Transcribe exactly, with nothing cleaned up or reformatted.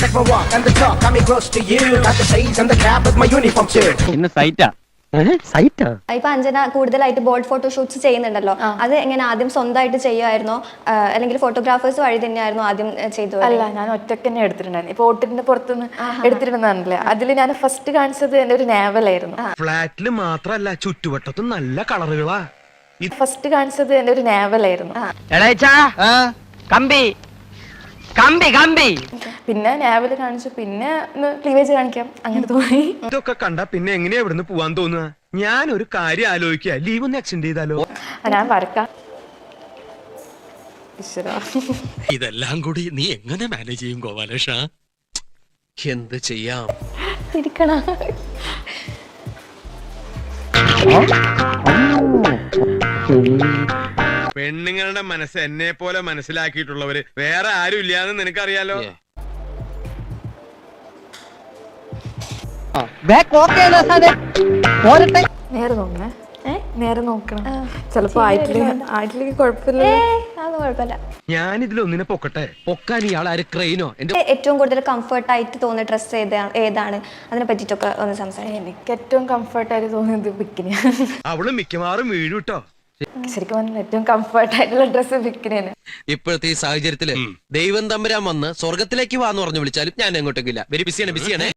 Take my walk and the talk got me close to you. Got the shades and the cap with my uniform too. ഇന്ന് സൈറ്റാ സൈറ്റാ ഇപ്പൊ അഞ്ജന കൂടുതലായിട്ട് bold photoshoots ചെയ്യുന്നുണ്ടല്ലോ, അത് എങ്ങനെ ആദ്യം സ്വന്തമായിട്ട് ചെയ്യുമായിരുന്നോ അല്ലെങ്കിൽ ഫോട്ടോഗ്രാഫേഴ്സ് വഴി തന്നെയായിരുന്നു ആദ്യം ചെയ്തു? അല്ല, ഞാൻ ഒറ്റയ്ക്ക് തന്നെ എടുത്തിട്ടുണ്ടായിരുന്നു. ഇപ്പൊ ഓട്ടിന്റെ പുറത്തുനിന്ന് എടുത്തിട്ടുണ്ടെന്നാണല്ലേ, അതിൽ ഞാൻ ഫസ്റ്റ് കാണിച്ചത് എന്റെ ഒരു നാവലായിരുന്നു. ഫ്ലാറ്റില് മാത്രല്ല ചുറ്റുവട്ടത്തും നല്ല കളറുകളാ. ഫസ്റ്റ് കാണിച്ചത് എന്റെ ഒരു നാവലായിരുന്നു. കമ്പി കമ്പി കമ്പി പിന്നെ നാവല് കാണിച്ചു, പിന്നെ ക്ലീവേജ് കാണിക്കാം, അങ്ങനെ തോന്നി. ഇതൊക്കെ കണ്ട പിന്നെ എങ്ങനെയാ ഇവിടുന്ന് പോവാൻ തോന്നുക? ഞാൻ ഒരു കാര്യം ആലോചിക്കുക, ലീവ് ഒന്ന് എക്സ്റ്റെൻഡ് ചെയ്താലോ? ഞാൻ വരക്കാം. ഇതെല്ലാം കൂടി നീ എങ്ങനെ മാനേജ് ചെയ്യും ഗോപാലേഷ? എന്ത് ചെയ്യാം? ഇരിക്കണം. പെണ്ണുങ്ങളുടെ മനസ്സ് എന്നെ പോലെ മനസ്സിലാക്കിയിട്ടുള്ളവര് വേറെ ആരും ഇല്ലാന്ന് നിനക്കറിയാലോ. നേരെ നോക്കണേ, നേരെ നോക്കണം. ചിലപ്പോ ആയിട്ടില്ലെങ്കിൽ ആയിട്ടില്ലെങ്കിൽ കുഴപ്പമില്ല. അത് കുഴപ്പമില്ല. ഞാൻ ഇതിലൊന്നിനെ പൊക്കട്ടെ. പൊക്കാൻ ഇയാൾ ആര് ക്രെയിനോ? എന്റെ ഏറ്റവും കൂടുതൽ കംഫർട്ട് ആയിട്ട് തോന്നിയ ഡ്രസ്സ് ഏതാണ്? അതിനെ പറ്റിട്ടൊക്കെ ഒന്ന് സംസാരിക്കാം. എനിക്ക് ഏറ്റവും കംഫർട്ടായിട്ട് തോന്നിയത് ബിക്കിനിയാണ്. അവള് മിക്കവാറും വീഴും കേട്ടോ. ശരിക്കും പറഞ്ഞാൽ ഏറ്റവും കംഫർട്ട് ആയിട്ടുള്ള ഡ്രസ്സ് ബിക്കിനിയാണ്. ഇപ്പോഴത്തെ ഈ സാഹചര്യത്തില് ദൈവം തമ്പുരാൻ വന്ന് സ്വർഗത്തിലേക്ക് വാന്ന് പറഞ്ഞു വിളിച്ചാലും ഞാൻ എങ്ങോട്ടേക്കില്ല. വെരി ബിസിയാണ് ബിസിയാണ്